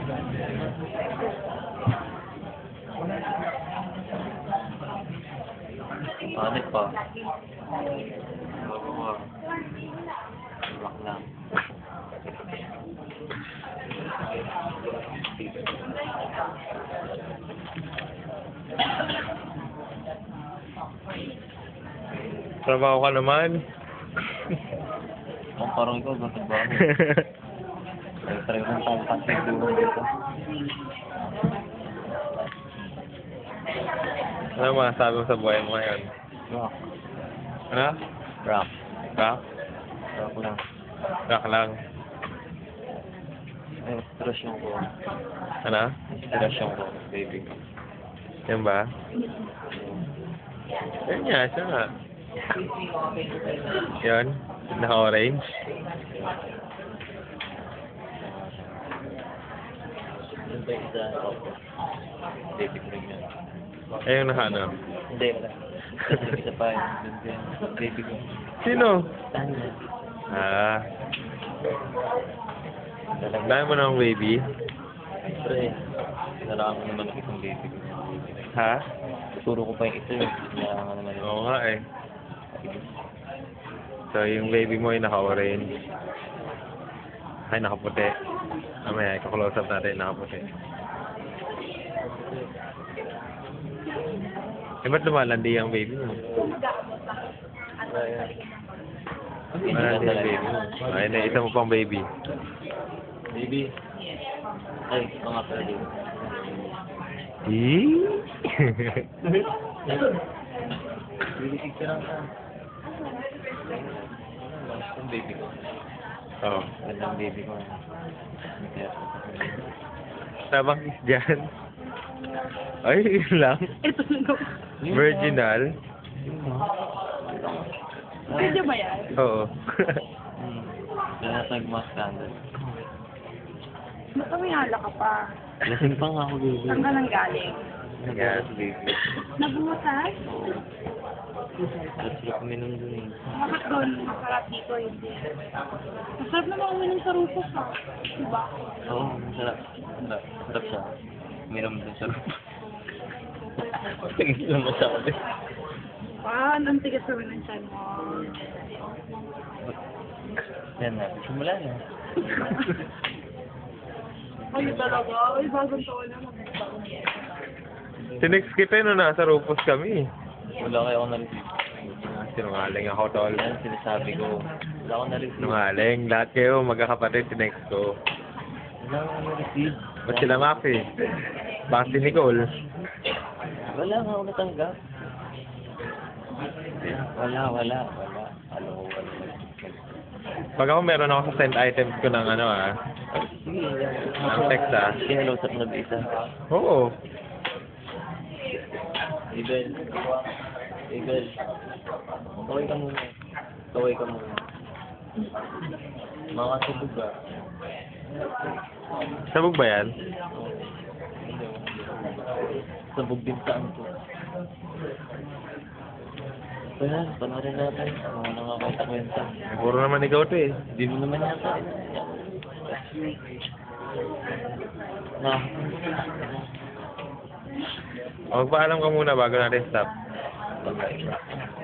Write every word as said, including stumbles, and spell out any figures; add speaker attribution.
Speaker 1: Panik pa. Bago ko. Lock lang.
Speaker 2: Trabaho ka naman.
Speaker 1: Kung parang ikaw, gusto ba ako? Ay, try mo sa pati doon dito.
Speaker 2: Ano masasabi mo sa buhay mo ngayon?
Speaker 1: Rock.
Speaker 2: Ano?
Speaker 1: Rock.
Speaker 2: Rock?
Speaker 1: Rock lang.
Speaker 2: Rock lang.
Speaker 1: Ay, inspirasyon ko.
Speaker 2: Ano?
Speaker 1: Inspirasyon ko, baby.
Speaker 2: Yan ba? Yan nga, siya nga. Yun, naka-orange.
Speaker 1: Yun ba yung isa? Baby ko rin yan.
Speaker 2: Eh, yung naka-ano?
Speaker 1: Hindi, wala. Yung isa pa yun. Yun din. Baby ko.
Speaker 2: Sino?
Speaker 1: Tanya.
Speaker 2: Ah,
Speaker 1: Talaga.
Speaker 2: dahil mo ng baby?
Speaker 1: Siyempre, nalang naman ang isang baby ko.
Speaker 2: Ha?
Speaker 1: Tuturo ko pa yung isa yun. Kailangan naman yun.
Speaker 2: Oo nga eh. So, yung baby mo ay naka-orange. Ay, nakaputi. Mamaya, ika-close up natin, nakaputi. Eh, ba't lumalandi ang baby mo? Malandi ang baby mo. Ay, na isa mo pang baby.
Speaker 1: Baby. Ay, mga pala baby.
Speaker 2: Eh?
Speaker 1: Bilisig ka lang ka. Ang baby ko.
Speaker 2: Oo.
Speaker 1: Gandang baby ko. Kaya,
Speaker 2: Tabang is dyan. Ay, yun lang.
Speaker 3: Ito na.
Speaker 2: Virginal.
Speaker 3: Pwede ba yan?
Speaker 2: Oo.
Speaker 1: Hmm. Kaya nagmas standard.
Speaker 3: Baka may hala ka pa.
Speaker 1: Lasing pa nga ako, baby.
Speaker 3: Saan ka nang galing?
Speaker 1: Nagalas, baby.
Speaker 3: Nabutas?
Speaker 1: At sila kuminom dun eh.
Speaker 3: Bakit doon? Masarap dito, hindi. Masarap naman uminom sa Rufus, ha? Diba?
Speaker 1: Oo, masarap. Masarap. Masarap siya. Uminom dun sa room. Tingin lang masabi.
Speaker 3: Ah, ang tigas naman ng tiyan mo.
Speaker 1: Yan na. Simula na.
Speaker 3: Ay, talaga. Ay, bagong taon na. Bagong
Speaker 2: Tinext kita no, nasa Rufus kami.
Speaker 1: Wala kayo ako na-receive.
Speaker 2: Sinungaling ako, tol.
Speaker 1: Yan, sinasabi ko. Wala ako na-receive.
Speaker 2: Sinungaling. Lahat kayo, magkakapatid, tinext ko.
Speaker 1: Wala ako na-receive.
Speaker 2: Ba't sila Maxi? Baka si Nicole.
Speaker 1: Wala nga ako natanggap. Wala, wala, wala. Ano, wala.
Speaker 2: Pag ako meron ako sa send items ko ng ano ah.
Speaker 1: Sige,
Speaker 2: Ang text ah.
Speaker 1: Hello, sa mga isa.
Speaker 2: Oo.
Speaker 1: Ibel. Ibel. Kaway ka muna. Kaway ka muna. Mga sabog ba?
Speaker 2: Sabog ba yan?
Speaker 1: Sabog din saan ko. Kaya, panoorin natin. Mga nakakita-kwenta.
Speaker 2: Puro naman ikaw to eh.
Speaker 1: Hindi mo naman yata. Na.
Speaker 2: O, magpaalam ka muna bago natin stop.
Speaker 1: Okay.